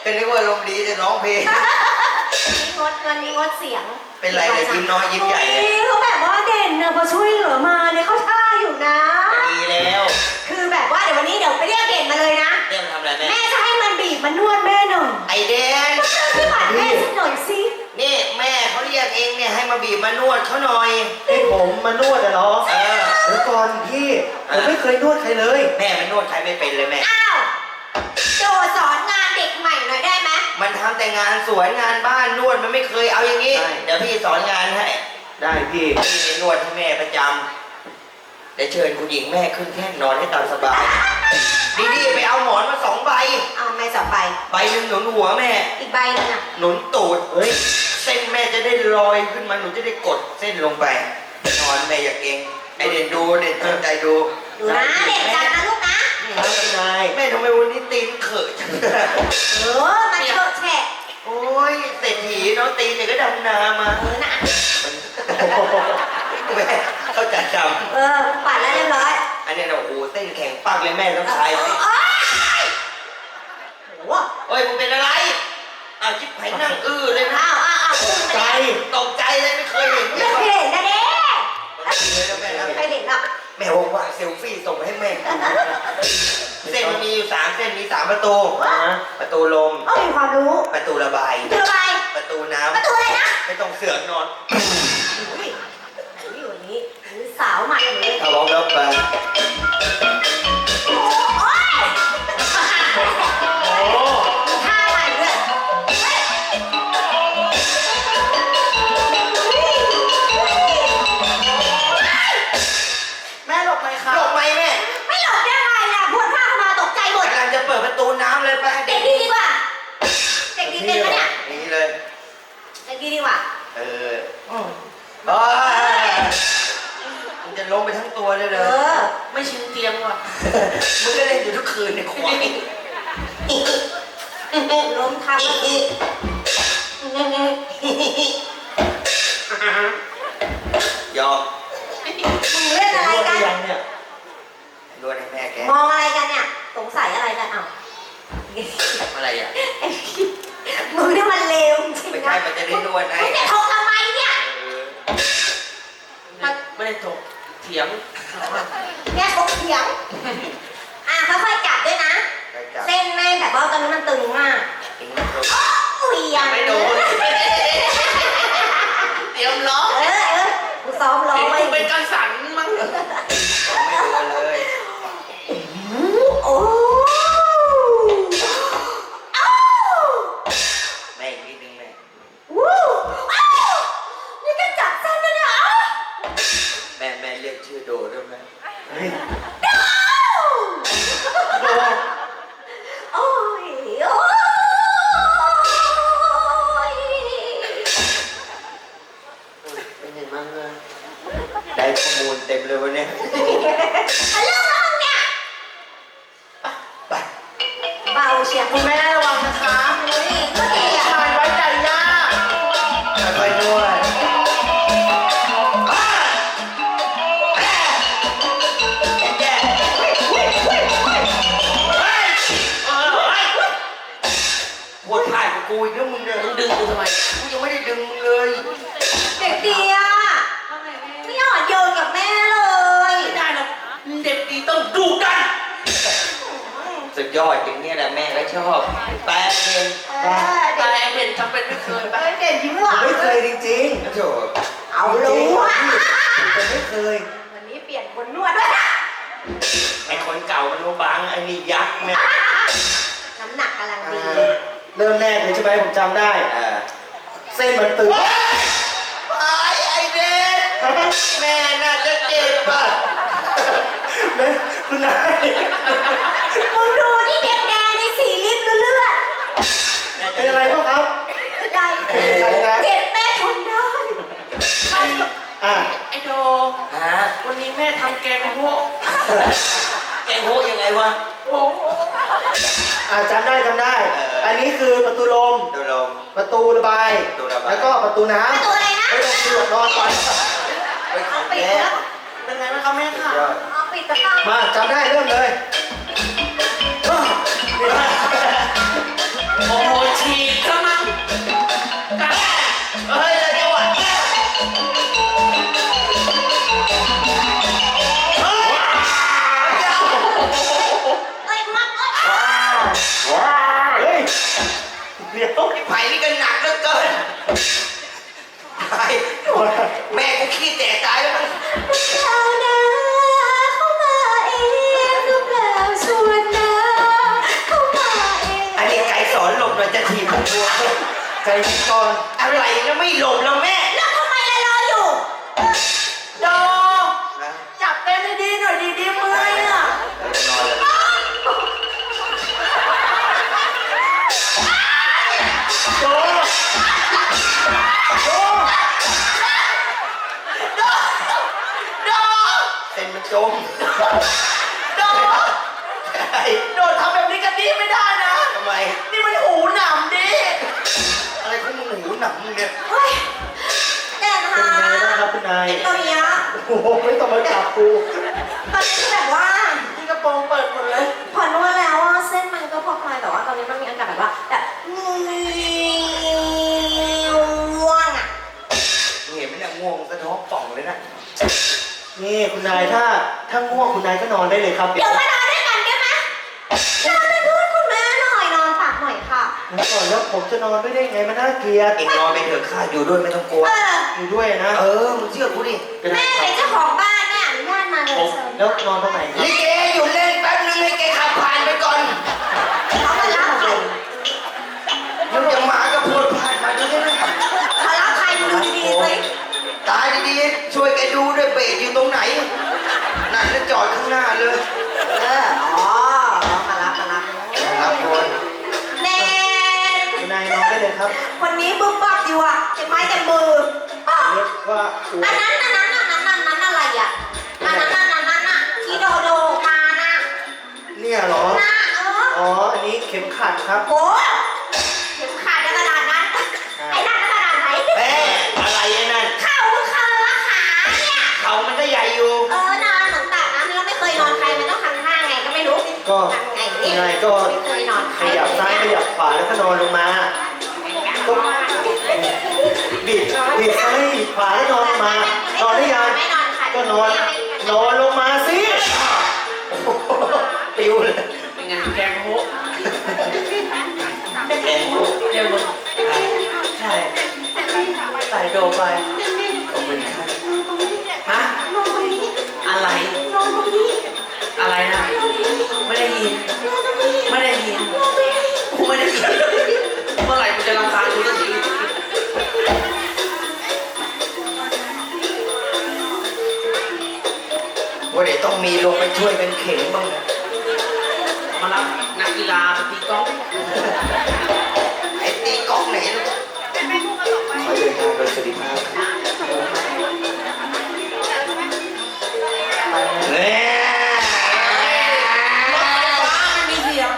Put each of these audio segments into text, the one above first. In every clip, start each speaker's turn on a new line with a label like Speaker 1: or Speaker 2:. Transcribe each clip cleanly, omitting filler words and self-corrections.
Speaker 1: ก็นึกว่าลมดีจะร้องเพลง
Speaker 2: นี่งดเสียง
Speaker 1: เป็นไรเนี่ยยิ้มน้อยยิ้มใหญ่เลย
Speaker 2: เขาแบบว่าเด่นนะพอช่วยเหลือมาเนี่ยเขาท่าอยู่นะ
Speaker 1: ดีแล้ว
Speaker 2: คือแบบว่าเดี๋ยววันนี้เดี๋ยวไปเรียกเด่นมาเลยนะ
Speaker 1: เด่นทำอะไรแม่
Speaker 2: แม่จะให้มันบีบมันนวดแม่หน่อย
Speaker 1: ไอเด่น
Speaker 2: พี่หวานแม่สักหน่อยสิ
Speaker 1: นี่แม่เขาเรียกเองเนี่ยให้มาบีบมานวดเขาหน่อย
Speaker 3: ให้ผมมานวดเหรอเดี๋ยวก่อนพี่ผมไม่เคยนวดใครเลย
Speaker 1: แม่มันนวดใครไม่เป็นเลยแม่
Speaker 2: อ้าวโจสอนงานเด็กใหม่หน่อยได้ไหม
Speaker 1: มันทำแต่งานสวนงานบ้านนวดมันไม่เคยเอาอย่างนี้เดี๋ยวพี่สอนงานให้
Speaker 3: ได้พี่
Speaker 1: นวดให้แม่ประจำได้เชิญคุณหญิงแม่ขึ้นแท่นนอนให้ตามสบายดีๆไปเอาหมอนมา2 ใบ
Speaker 2: เอาไม่2 ใบ
Speaker 1: ใบหนึ่งหนุนหัวแม่
Speaker 2: อีกใบนึงอ่ะ
Speaker 1: หนุนตูดเฮ้ยเส้นแม่จะได้ลอยขึ้นมาหนูจะได้กดเส้นลงไปนอนแม่อย่าเก่งไอเด่นดูเด่นตั้งใจดู
Speaker 2: นะเด็กกันนะลูกนะ
Speaker 3: นาย
Speaker 1: แม่ทำไมวันนี้ตีนเขอะจัง
Speaker 2: มันเถอะแฉะ
Speaker 1: โอ้ยเศรษฐีเนาะตีนเนี่ยก็ดำนามา
Speaker 2: นะ
Speaker 1: แม่เข้าใจจ
Speaker 2: ำปัดแล้วเรียบร้อย
Speaker 1: อันนี้เราโอ้โหเส้นแข็งปักเลยแม่ต้องใช้โอ้ยมึงเป็นอะไรอ้าวจิ๊บไผ่นั่งเลยนะตกใจเลยไม่เคยเห็น
Speaker 2: ไม่เคยเห็นนะเด้
Speaker 1: ไม่
Speaker 2: เคยเห็นหรอก
Speaker 1: แม่บอกว่าเซลฟี่ส่งให้แม่เส้นมันมีอยู่3 เส้นมี3 ประตูประตูลม
Speaker 2: มีความรู้
Speaker 1: ประตูระบายประตูน้ำ
Speaker 2: ประตูอะไรนะ
Speaker 1: ไม่ต้องเสือกนอน
Speaker 2: อยู่นี้สาวใหม่เลย
Speaker 1: ถ้าร้องแล้วไป
Speaker 2: เด็กดีดีกว่าเด็กดีเป็นปะเนี่ย
Speaker 1: นี่เลย
Speaker 2: เด็กดีดีกว่า
Speaker 1: มึงจะล้มไปทั้งตัวเลยเหรอ
Speaker 2: ไม่ชินเตียงว่ะ
Speaker 1: มึงก็เล่นอยู่ทุกคืนในควาย
Speaker 2: ล้มทับ
Speaker 1: ยอม
Speaker 2: มึงเล่นอะไรกัน
Speaker 1: นวดให้แม่แก
Speaker 2: มองอะไรกันเนี่ยสงสัยอะไรกัน
Speaker 1: อะไรอ่ะ
Speaker 2: มึงนี่มันเลวจริงนะ
Speaker 1: ไม่ใช่มันจะได้นวดให้
Speaker 2: มึงจะถกทำไมเนี่ย
Speaker 1: ไม่ได้ถกเถียง
Speaker 2: เนี่ยถกเถียงค่อยๆจับด้วยนะเส้นแม่แบบว่าตอนนี้มันตึงมากยัง
Speaker 1: ไม่โดนเตรียมร้อง
Speaker 2: กูซ้อมร้องไว้
Speaker 1: เป็นการสั่นมั้งไม่โดนเลย
Speaker 2: โอ้
Speaker 1: แม่นิดนึงแม่
Speaker 2: นี่ก็จับเส้นแล้วเนี่ย
Speaker 1: แม่เรียกชื่อโดด้วยไหม
Speaker 2: โดโอ้ย
Speaker 1: เป็นยังไงบ้างได้ข้อมูลเต็มเลยวันนี้
Speaker 2: เรื่องห้องเนี่ย
Speaker 1: ไป
Speaker 2: เบาเชียร์
Speaker 1: คุณแม่ระวังนะคะ
Speaker 2: นี่ก็ดีอ่ะ
Speaker 1: ทานไว้ใจยากค่อยๆด้วยปวดถ่ายกับกูอีกแล้วมึงเนี่ยมึงดึงกูทำไมกูยังไม่ได้ดึงมึงเลย
Speaker 2: เด็กดีอ่ะไม่อ่อนโยนกับแม่เลย
Speaker 1: ไม่ได้หรอกเด็กดีต้องดูกันสุดยอดอย่างนี้แหละแม่ก็ชอบแปลเด่นเด่นทำเป็นไม่เคย
Speaker 2: เด่นยิ้มหวาน
Speaker 3: ไม่เคยจริง
Speaker 1: ๆโถ
Speaker 2: เอารู้อ่ะ
Speaker 3: ไม่เคย
Speaker 2: วันนี้เปลี่ยนคนนวดด้วยนะ
Speaker 1: ไอ้คนเก่ามันบางไอ้นี่ยักษ์เนี่ย
Speaker 2: น้ำหนักกำลังดี
Speaker 3: เริ่มแรกเลยใช่ไหมผมจำได้เส้นมันตึง
Speaker 1: ไอ้เด่นแม่น่าจะเจ็บป่ะ
Speaker 3: แม่คุณนาย
Speaker 2: มึงดูที่แดงๆในสีลิปเลือด
Speaker 3: เป็นอะไรบ้างครับ
Speaker 2: ได้เจ็บแม่ทนได้
Speaker 1: ไอ้โดวันนี้แม่ทำแกงโฮแกงโฮยังไงวะ
Speaker 3: จำได้อันนี้คือประตูลมประตูระบายแล้วก็ประตูน้ำ
Speaker 2: ประตูอะไรนะ
Speaker 3: ไม่ต้องเสือกนอนก่อน
Speaker 2: เอาปิดแล้ว
Speaker 1: เป็นไงบ้างครับแม่ค่ะ
Speaker 2: เอาปิดตะข้าง
Speaker 3: มาจำได้เริ่มเลย
Speaker 1: โอ้โหตายแม่กูขี้แตกตายแล้วมั้ง
Speaker 2: ชาวนาเข้ามาเองหรือเปล่าส่วนนาเข้ามาเอง
Speaker 1: อันนี้ไก่สอนหลบหน่อยจะถีบผมตัว
Speaker 3: ใจดีก่อน
Speaker 1: อะไรแล้วไม่หลบแล้วแม่
Speaker 2: แล้วทำไมรออยู่
Speaker 4: โดจับเต้นดีๆหน่อยดีๆเมื่อยอ่ะ
Speaker 1: นอนเลย
Speaker 3: โจโจ
Speaker 4: โด
Speaker 1: เส้นมันจม
Speaker 4: โดโดทำแบบนี้กันดีไม่ได้นะ
Speaker 1: ทำไม
Speaker 4: นี่มันหูหนำดิ
Speaker 1: อะไรของมึงหูหนังมึงเนี่ย
Speaker 2: เฮ้ยแดด
Speaker 3: เป็น
Speaker 2: หา
Speaker 3: ไงบ้างครับคุณนาย
Speaker 2: ตอนเนี้ย
Speaker 3: โอ้โหไม่ต้องมาจับกู
Speaker 2: ตอนนี้คือแบบว่า
Speaker 4: ที่กระโปรงเปิดหมดเลย
Speaker 2: พอนวดแล้วอ่ะเส้นมันก็พอคลายแต่ว่าตอนนี้มันมีอาการแบบว่าแบบง่วงอ่ะ
Speaker 1: มึงเห็นไหมเนี่ยง่วงสะท้องป่องเลยนะ
Speaker 3: นี่คุณนายถ้าง่วงคุณนายก็นอนได้เลยครับ
Speaker 2: เดี๋ยวมานอนด้วยกันได้ไหมนอนเป็นเพื่อนคุณแม่หน่อยนอนตักหน่อยค่ะ
Speaker 3: แล้วก่อนแล้วผมจะนอนไม่ได้ไงมันน่าเกลียด
Speaker 1: เอ็งนอนไปเถอะข้าอยู่ด้วยไม่ต้องกลัว
Speaker 3: อยู่ด้วยนะ
Speaker 1: มึงเชื่อกูดิ
Speaker 2: แม่เป็นเจ้าของบ้านแม่อนุญาตมาเลยเชิญ
Speaker 3: แล้วนอนตรงไหนครับ
Speaker 1: ลิเกอยู่เล่นแป๊บนึงให้แกขับผ่านไปก่อน
Speaker 2: เขามารับใคร
Speaker 1: มึงจะหมาก็พูดผ่านมาดูได้ไหม
Speaker 2: มารับใครดูดีๆสิ
Speaker 1: ตายดีๆช่วยแกดูด้วยเบรกอยู่ตรงไหนนั่นแล้วจอดข้างหน้าเลย
Speaker 2: อ๋อมารับ
Speaker 1: ครับคน
Speaker 2: แน่
Speaker 3: คุณนายนอนได้เลยครับ
Speaker 2: คนนี้บึ้มบักอยู่อ่ะเจ็บไม้เจ็บมืออ๋อ
Speaker 3: เรียกว่าตัว
Speaker 2: อันนั้นอะไรอ่ะอันนั้นอ่ะที่โดมานะ
Speaker 3: เนี่ยเหรอ
Speaker 2: นะ
Speaker 3: อ๋ออันนี้เข็มขัดครับ
Speaker 2: โหเข็มขาดจะขนาดนั้นไอ้นั่นขนาดไหน
Speaker 1: แม่อะไรไอ้นั่น
Speaker 2: เข่าขาเนี่ย
Speaker 1: เขามันก็ใหญ่อยู่
Speaker 2: นอนหนุนตักนะเราไม่เคยนอนใครมันต้องทำท่าไงก็ไม่รู้
Speaker 3: ก็
Speaker 2: ทำไง
Speaker 3: คุณ
Speaker 2: เนี่ย
Speaker 3: นายก็
Speaker 2: ไม่เคยนอนใค
Speaker 3: ข
Speaker 2: ร
Speaker 3: ยับซ้ายขยับขวาแล้วก็นอนลงมาก็บิดซ้ายบิดขวาแล้วนอนลงมา นอนได้ยัง
Speaker 2: ไม่นอนค่ะ
Speaker 3: ก็นอนลงมาสิ
Speaker 1: ปิวเลย
Speaker 4: เป็นไงแกงโฮ
Speaker 1: แกงกู
Speaker 4: เร็วลงใช่ใส่โดไป
Speaker 1: ขอบคุณครับ
Speaker 4: ฮะ
Speaker 2: นอนตรงนี้
Speaker 4: อะไร
Speaker 2: นอนตรงนี้
Speaker 4: อะไรนะ ไม่ได้ยิน ไม่ได้ยินกูไม่ได้ยิน เมื่อไหร่กูจะรำคาญกูสักที
Speaker 1: ว่าเดี๋ยวต้องมีลงไปช่วยกันเข็นบ้างนะ
Speaker 4: มารับนักกีฬาไปตีกอล์ฟ
Speaker 1: ไอ้ตีกล้องไหนลูกขอเดินทางโดยสวัสดิภาพเนี่ย
Speaker 4: รถไฟฟ้าไม่มีเสียง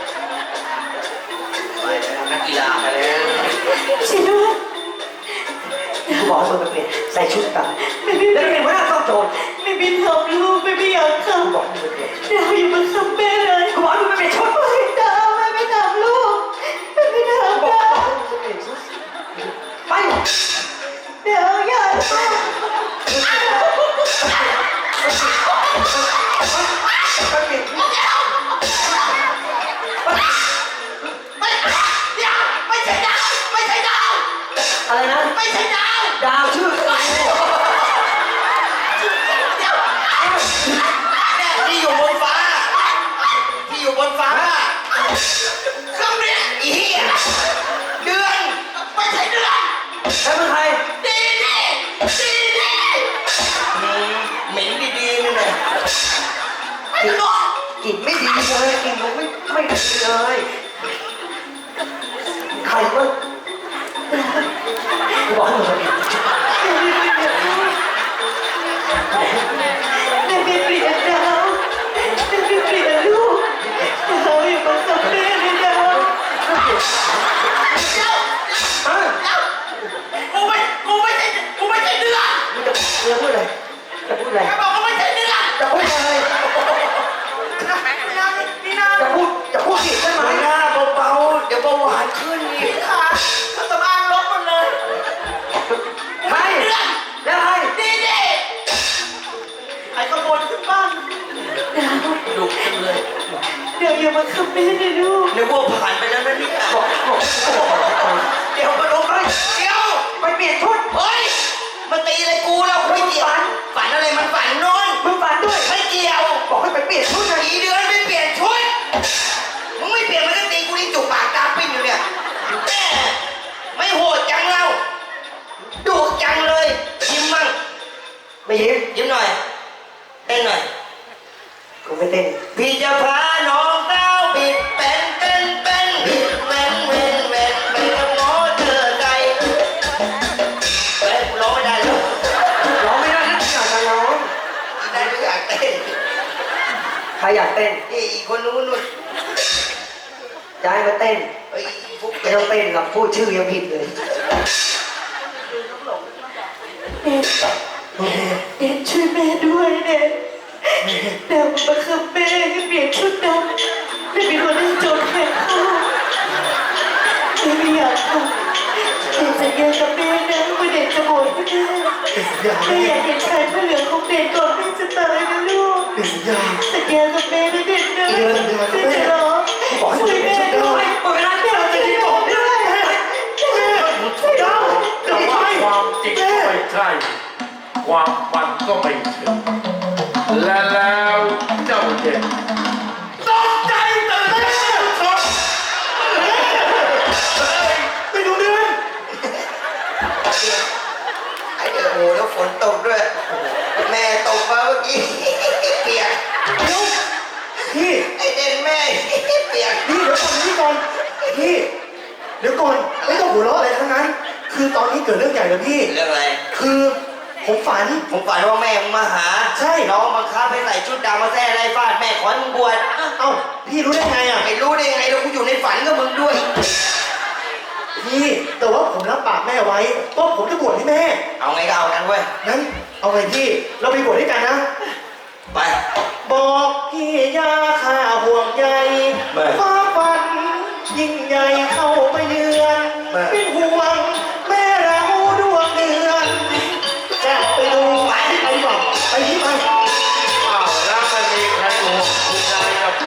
Speaker 1: ไปแล้วนักกีฬาไปแล้ว
Speaker 2: ช่วยด้วย
Speaker 3: กูบอกให้มึงไปเปลี่ยนใส่ชุดต่างแล้วเป็นหัวหน้าต้องโจร
Speaker 2: ไม่บินทำลูกไม่อยากท
Speaker 3: กูบอกให้มึงไปเปลี่ยน
Speaker 2: ำดาวอย่ามาทำแม่เลยกูบอกให้มึงไปเปลี่ยนชุดเลยดาวไม่ทำลูกไม่ทำ
Speaker 3: บอก
Speaker 2: ดาว
Speaker 3: ให้มึงไปเปลี่ยนชุดไป
Speaker 2: เดี๋ยวอย่าทำ
Speaker 3: ไปเปลี่ยนชุด
Speaker 4: ไม่ใช่ดาว ไม่ใช่ดาว
Speaker 3: อะไรนะ
Speaker 4: ไม่ใช่ดาว
Speaker 3: ดาวชื่อ
Speaker 1: ที่อยู่บนฟ้า ที่อยู่บนฟ้าเครื่องบินอีเหี้ยเดือน
Speaker 4: ไม่ใช่เดือน
Speaker 3: แล้วเป็นใคร
Speaker 4: ดีดี
Speaker 1: เหม็นดีๆนี่แหละ
Speaker 4: ไม่ถูก
Speaker 3: กลิ่นไม่ดีเลยกลิ่นมันไม่ดีเลยใครวะกูบอกให้มึงไปเปลี่ยน
Speaker 2: ไม่เปลี่ยนดาวไม่เปลี่ยนลูกดาวอย่ามาทำแม่เลยดาว
Speaker 4: กูไม่ใช่เดือน
Speaker 3: มึงจะพูดอะไรจะพูดอะไร
Speaker 4: แกบอกว่าไม่ใช่เดือน
Speaker 3: จะพูดอะไร
Speaker 4: นี่นะ
Speaker 3: จะพูดผิดใช่ไหม
Speaker 1: ไม่น่าเบาๆเดี๋ยวเบาหวานขึ้นอีก
Speaker 4: ขาเครื่องสำอางลบหมดเลย
Speaker 3: ใครแล้วใคร
Speaker 4: ดีดีไอ้ขโมยขึ้นบ้าน
Speaker 1: ดุจังเลย
Speaker 3: ดี๋ยวอย่ามาขับแม่เลยลูก
Speaker 1: นึกว่าผ่านไปแล้วนะเนี่ยเดี๋ยวมาลงไปเดี๋ยวไปเปลี่ยนชุดเฮ้ยมาตีอะไรกูเราไม่เกี่ยวฝันอะไรมันฝันนอนมึงฝันด้วยไม่เกี่ยวบอกให้ไปเปลี่ยนชุดนะอีเดือนไม่เปลี่ยนชุดมึงไม่เปลี่ยนมันก็ตีกูที่จุกปากตาปิ้นอยู่เนี่ยแม่ไม่โหดจังเราดุจังเลยยิ้มมั่งไม่ยิ้มหน่อยเต้นหน่อยกูไม่เต้นพี่จะพาน้องเต้าบิดเป็นบิดเว้นโง่เธอใจเฮ้ยร้องไม่ได้เลยร้องไม่ได้นะอยากจะร้องได้ไม่อยากเต้นใครอยากเต้นนี่อีกคนนู้นย้ายมาเต้นเฮ้ยพวกไม่ต้องเต้นหรอกพูดชื่อยังผิดเลย
Speaker 3: เด็กช่วยแม่ด้วยเด็กเดี๋ยวมาขับแม่ให้เปลี่ยนชุดดำไม่มีคนให้โจรแข่งข้าวไม่อยากทำเด็กสัญญากับแม่นะว่าเด็กจะโหดไม่ได้ไม่อยากเห็นชายผ้าเหลืองของเด็กก่อนแม่จะตายนะลูกสัญญากับแม่นะเด็กนะแม่จะร้องช่วยแม่ด้วยบอกนะแม่จะได้บอกด้วยช่วยเราจะไป
Speaker 5: ความจริงก็ไม่ใช่ ความฝันก็ไม่ถึง และแล้วเจ้าเด็กตกใจตื่นเต้นช็อก
Speaker 3: ไม่รู้เรื่อง
Speaker 1: ไอ้เดี๋ยวโอ้แล้วฝนตกด้วยแม่ตกมาเมื่อกี้เปียก
Speaker 3: พี่
Speaker 1: ไอ้เด่นแม่เปียก
Speaker 3: พี่เดี๋ยวก่อนพี่เดี๋ยวก่อนไม่ต้องหัวเราะอะไรทั้งนั้น คือตอนนี้เกิดเรื่องใหญ่แล้วพี่
Speaker 1: เรื่องอะไร
Speaker 3: คือผมฝัน
Speaker 1: ผมฝันว่าแม่มึงมาหา
Speaker 3: ใช่
Speaker 1: น้องบังคับให้ใส่ชุดดำมาแซ่ไล่ฟาดแม่ขอให้มึงบวช
Speaker 3: เอ้าพี่รู้ได้ไงอ่ะ
Speaker 1: ไม่รู้ได้ยังไงแล้วกูอยู่ในฝันกับมึงด้วย
Speaker 3: พี่แต่ว่าผมรับปากแม่ไว้ว่าผมจะบวชให้แม่
Speaker 1: เอาไงก็เอากันเว้ย
Speaker 3: งั้นเอาไงพี่เราไปบวชด้วยกันนะ
Speaker 1: ไป
Speaker 3: บอกพี่ยาข้าห่วงใย
Speaker 1: ไม่
Speaker 3: ฟ้าฝันยิ่งใหญ่เข้ามาเยือน
Speaker 1: ไม่
Speaker 3: เป็นห่วง